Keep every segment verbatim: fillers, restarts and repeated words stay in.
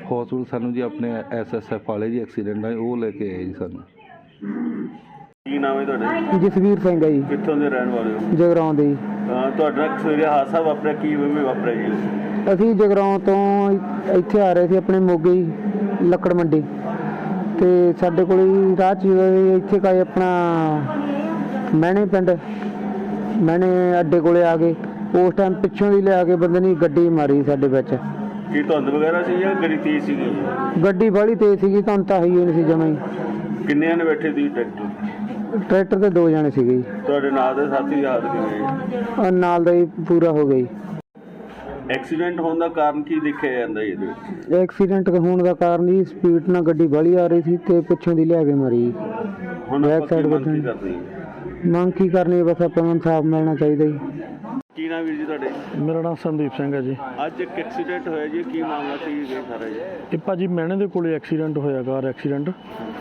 Hospital ਸਾਨੂੰ ਜੀ ਆਪਣੇ ਐਸ ਐਸ ਐਫ ਵਾਲੇ ਜੀ ਐਕਸੀਡੈਂਟ ਆਏ ਉਹ ਲੈ ਕੇ ਆਏ ਜੀ ਸਾਨੂੰ। ਕੀ ਨਾਮ ਹੈ ਤੁਹਾਡਾ? ਜਸਵੀਰ ਸਿੰਘ ਹੈ ਜੀ। ਕਿੱਥੋਂ ਦੇ ਰਹਿਣ ਵਾਲੇ ਹੋ? ਜਗਰਾਉਂ ਦੇ ਜੀ। ਅਹ ਤੁਹਾਡਾ ਸਵੇਰੇ ਹਾਦਸਾ ਵਾਪਰਿਆ, ਕੀ ਵੇ ਵਾਪਰਿਆ ਜੀ? ਅਸੀਂ ਜਗਰਾਉਂ ਤੋਂ ਇੱਥੇ ਆ ਰਹੇ ਸੀ ਆਪਣੇ ਮੋਗੇ ਜੀ ਲੱਕੜ ਮੰਡੀ, ਤੇ ਸਾਡੇ ਕੋਲ ਹੀ ਰਾਹ 'ਚ ਇੱਥੇ ਕਾਏ ਆਪਣਾ ਮਹਿਣੇ ਪਿੰਡ ਮਹਿਣੇ ਅੱਡੇ ਕੋਲੇ ਆ ਗਏ। ਉਸ ਟਾਈਮ ਪਿੱਛੋਂ ਦੀ ਲਿਆ ਕੇ ਬੰਦੇ ਨੇ ਗੱਡੀ ਮਾਰੀ ਸਾਡੇ ਵਿੱਚ। ਕੀ ਧੁੰਦ ਵਗੈਰਾ ਸੀ ਜਾਂ ਗੱਡੀ ਤੇਜ਼ ਸੀਗੀ? ਗੱਡੀ ਬਾਹਲੀ ਤੇਜ਼ ਸੀਗੀ, ਤੁਹਾਨੂੰ ਤਾਂ ਹੀ ਨਹੀਂ ਸੀ ਜਮਾਂ ਹੀ। ਕਿੰਨੇ ਨੇ ਬੈਠੇ ਸੀ ਟਰੈਕਟਰ? ਟਰੈਕਟਰ ਤੇ ਦੋ ਜਣੇ ਸੀਗੇ ਜੀ। ਤੁਹਾਡੇ ਨਾਲ ਦੇ ਸਾਥੀ ਦੀ ਹਾਲਤ ਕਿਵੇਂ ਹੈ? ਔਰ ਨਾਲ ਦਾ ਹੀ ਪੂਰਾ ਹੋ ਗਈ। ਐਕਸੀਡੈਂਟ ਹੋਣ ਦਾ ਕਾਰਨ ਕੀ ਦੇਖਿਆ ਜਾਂਦਾ ਜੀ ਇਹਦੇ ਵਿੱਚ? ਐਕਸੀਡੈਂਟ ਹੋਣ ਦਾ ਕਾਰਨ ਜੀ ਸਪੀਡ ਨਾਲ ਗੱਡੀ ਬਾਹਲੀ ਆ ਰਹੀ ਸੀ ਤੇ ਪਿੱਛੋਂ ਦੀ ਲਿਆ ਕੇ ਮਾਰੀ। ਹੁਣ ਬੈਕ ਆਪਾਂ ਸਾਈਡ ਕੀ ਮੰਗ ਕੀ ਵੱਜਣ। ਕਰਦੇ ਹਾਂ? ਮੰਗ ਕੀ ਕਰਨੀ, ਬਸ ਆਪਾਂ ਨੂੰ ਇਨਸਾਫ ਮਿਲਣਾ ਚਾਹੀਦਾ ਜੀ। ਕੀ ਨਾਮ ਵੀਰ ਜੀ ਤੁਹਾਡੇ? ਮੇਰਾ ਨਾਮ ਸੰਦੀਪ ਸਿੰਘ ਹੈ ਜੀ। ਅੱਜ ਇੱਕ ਐਕਸੀਡੈਂਟ ਹੋਇਆ ਜੀ, ਕੀ ਮਾਮਲਾ ਸੀ ਇਹ ਸਾਰਾ ਜੀ? ਇਹ ਭਾਜੀ ਮਹਿਣੇ ਦੇ ਕੋਲੇ ਐਕਸੀਡੈਂਟ ਹੋਇਆ, ਕਾਰ ਐਕਸੀਡੈਂਟ।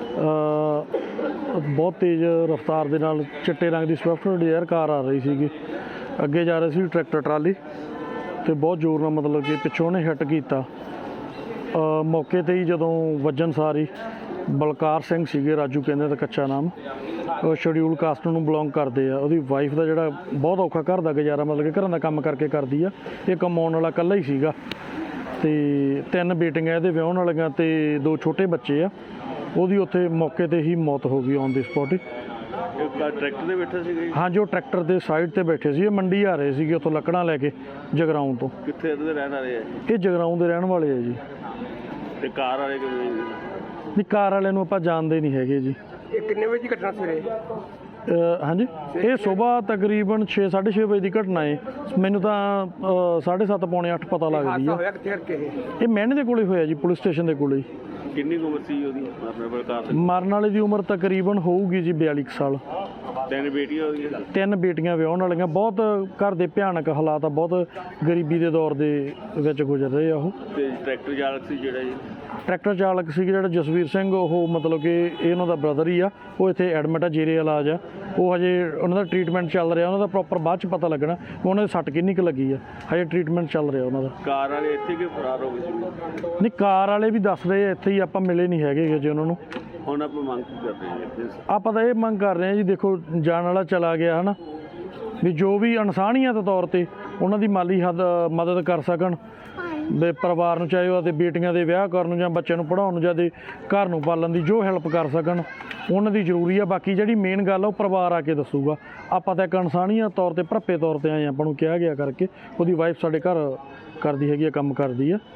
ਬਹੁਤ ਤੇਜ਼ ਰਫ਼ਤਾਰ ਦੇ ਨਾਲ ਚਿੱਟੇ ਰੰਗ ਦੀ ਸਵਿਫਟ ਡਿਜ਼ਾਇਰ ਕਾਰ ਆ ਰਹੀ ਸੀਗੀ, ਅੱਗੇ ਜਾ ਰਹੀ ਸੀ ਟਰੈਕਟਰ ਟਰਾਲੀ, ਤੇ ਬਹੁਤ ਜ਼ੋਰ ਨਾਲ ਮਤਲਬ ਕਿ ਪਿੱਛੋਂ ਉਹਨੇ ਹਿੱਟ ਕੀਤਾ। ਮੌਕੇ 'ਤੇ ਹੀ ਜਦੋਂ ਵੱਜਣ ਸਾਰੀ ਬਲਕਾਰ ਸਿੰਘ ਸੀਗੇ, ਰਾਜੂ ਕਹਿੰਦੇ ਤਾਂ ਕੱਚਾ ਨਾਮ, ਉਹ ਸ਼ਡਿਊਲ ਕਾਸਟ ਨੂੰ ਬਿਲੋਂਗ ਕਰਦੇ ਆ। ਉਹਦੀ ਵਾਈਫ ਦਾ ਜਿਹੜਾ ਬਹੁਤ ਔਖਾ ਘਰ ਦਾ ਗੁਜ਼ਾਰਾ, ਮਤਲਬ ਕਿ ਘਰਾਂ ਦਾ ਕੰਮ ਕਰਕੇ ਕਰਦੀ ਆ। ਇਹ ਕਮਾਉਣ ਵਾਲਾ ਇਕੱਲਾ ਹੀ ਸੀਗਾ, ਤੇ ਤਿੰਨ ਬੇਟੀਆਂ ਇਹਦੇ ਵਿਆਹੁਣ ਵਾਲੀਆਂ ਤੇ ਦੋ ਛੋਟੇ ਬੱਚੇ ਆ। ਉਹਦੀ ਉੱਥੇ ਮੌਕੇ 'ਤੇ ਹੀ ਮੌਤ ਹੋ ਗਈ ਔਨ ਦੀ ਸਪੌਟ ਹੀ। ਟਰੈਕਟਰ ਦੇ ਬੈਠੇ ਸੀਗੇ? ਹਾਂਜੀ, ਉਹ ਟਰੈਕਟਰ ਦੇ ਸਾਈਡ ਤੇ ਬੈਠੇ ਸੀ। ਇਹ ਮੰਡੀ ਆ ਰਹੇ ਸੀਗੇ ਉੱਥੋਂ ਲੱਕੜਾਂ ਲੈ ਕੇ ਜਗਰਾਉਂ ਤੋਂ। ਕਿੱਥੇ ਦੇ ਰਹਿਣ ਵਾਲੇ ਆ? ਇਹ ਜਗਰਾਉਂ ਦੇ ਰਹਿਣ ਵਾਲੇ ਆ ਜੀ। ਤੇ ਕਾਰ ਵਾਲੇ ਕਿਵੇਂ? ਨਹੀਂ, ਕਾਰ ਵਾਲਿਆਂ ਨੂੰ ਆਪਾਂ ਜਾਣਦੇ ਨਹੀਂ ਹੈਗੇ ਜੀ। ਇਹ ਕਿੰਨੇ ਵਜੇ ਦੀ ਘਟਨਾ ਸਵੇਰੇ? ਹਾਂਜੀ, ਇਹ ਸਵੇਰ ਤਕਰੀਬਨ ਛੇ ਸਾਢੇ ਛੇ ਵਜੇ ਦੀ ਘਟਨਾ ਹੈ। ਮੈਨੂੰ ਤਾਂ ਸਾਢੇ ਸੱਤ ਪੌਣੇ ਅੱਠ ਪਤਾ ਲੱਗਦੀ ਆ। ਇਹ ਮਹਿਣੇ ਦੇ ਕੋਲੇ ਹੋਇਆ ਜੀ, ਪੁਲਿਸ ਸਟੇਸ਼ਨ ਦੇ ਕੋਲੇ। ਕਿੰਨੀ ਉਮਰ ਸੀ ਉਹਦੀ ਕਾਰ ਦੀ? ਮਰਨ ਵਾਲੇ ਦੀ ਉਮਰ ਤਕਰੀਬਨ ਹੋਊਗੀ ਜੀ ਬਿਆਲੀ ਕੁ ਸਾਲ। ਤਿੰਨ ਬੇਟੀਆਂ ਹੋਈਆਂ? ਤਿੰਨ ਬੇਟੀਆਂ ਵਿਆਹੁਣ ਵਾਲੀਆਂ। ਬਹੁਤ ਘਰ ਦੇ ਭਿਆਨਕ ਹਾਲਾਤ ਆ, ਬਹੁਤ ਗਰੀਬੀ ਦੇ ਦੌਰ ਦੇ ਵਿੱਚ ਗੁਜ਼ਰ ਰਹੇ ਆ ਉਹ। ਤੇ ਟਰੈਕਟਰ ਚਾਲਕ ਸੀ ਜਿਹੜਾ ਜੀ? ਟਰੈਕਟਰ ਚਾਲਕ ਸੀ ਜਿਹੜਾ ਜਸਵੀਰ ਸਿੰਘ, ਉਹ ਮਤਲਬ ਕਿ ਇਹ ਉਹਨਾਂ ਦਾ ਬ੍ਰਦਰ ਹੀ ਆ। ਉਹ ਇੱਥੇ ਐਡਮਿਟ ਆ, ਜੇਰੇ ਇਲਾਜ ਆ। ਉਹ ਹਜੇ ਉਹਨਾਂ ਦਾ ਟਰੀਟਮੈਂਟ ਚੱਲ ਰਿਹਾ, ਉਹਨਾਂ ਦਾ ਪ੍ਰੋਪਰ ਬਾਅਦ 'ਚ ਪਤਾ ਲੱਗਣਾ ਉਹਨਾਂ ਦੇ ਸੱਟ ਕਿੰਨੀ ਕੁ ਲੱਗੀ ਆ। ਹਜੇ ਟਰੀਟਮੈਂਟ ਚੱਲ ਰਿਹਾ ਉਹਨਾਂ ਦਾ। ਕਾਰ ਵਾਲੇ ਇੱਥੇ ਕਿ ਫਰਾਰ ਹੋ ਗਏ ਸੀ? ਨਹੀਂ, ਕਾਰ ਵਾਲੇ ਵੀ ਦੱਸ ਰਹੇ ਆ ਇੱਥੇ ਹੀ, ਆਪਾਂ ਮਿਲੇ ਨਹੀਂ ਹੈਗੇ ਹਜੇ ਉਹਨਾਂ ਨੂੰ। ਹੁਣ ਆਪਾਂ ਮੰਗ ਕੀ ਕਰਦੇ ਹਾਂ? ਆਪਾਂ ਤਾਂ ਇਹ ਮੰਗ ਕਰ ਰਹੇ ਹਾਂ ਜੀ, ਦੇਖੋ ਜਾਣ ਵਾਲਾ ਚਲਾ ਗਿਆ ਹੈ ਨਾ, ਵੀ ਜੋ ਵੀ ਇਨਸਾਨੀਅਤ ਤੌਰ 'ਤੇ ਉਹਨਾਂ ਦੀ ਮਾਲੀ ਹੱਦ ਮਦਦ ਕਰ ਸਕਣ, ਵੀ ਪਰਿਵਾਰ ਨੂੰ, ਚਾਹੇ ਉਹਦੇ ਬੇਟੀਆਂ ਦੇ ਵਿਆਹ ਕਰਨ ਨੂੰ ਜਾਂ ਬੱਚਿਆਂ ਨੂੰ ਪੜ੍ਹਾਉਣ ਨੂੰ ਜਾਂ ਦੇ ਘਰ ਨੂੰ ਪਾਲਣ ਦੀ ਜੋ ਹੈਲਪ ਕਰ ਸਕਣ ਉਹਨਾਂ ਦੀ ਜ਼ਰੂਰੀ ਆ। ਬਾਕੀ ਜਿਹੜੀ ਮੇਨ ਗੱਲ ਆ ਉਹ ਪਰਿਵਾਰ ਆ ਕੇ ਦੱਸੂਗਾ। ਆਪਾਂ ਤਾਂ ਇੱਕ ਇਨਸਾਨੀਅਤ ਤੌਰ 'ਤੇ ਭਰਪੇ ਤੌਰ 'ਤੇ ਆਏ, ਆਪਾਂ ਨੂੰ ਕਿਹਾ ਗਿਆ ਕਰਕੇ। ਉਹਦੀ ਵਾਈਫ ਸਾਡੇ ਘਰ ਕਰਦੀ ਹੈਗੀ ਆ, ਕੰਮ ਕਰਦੀ ਆ।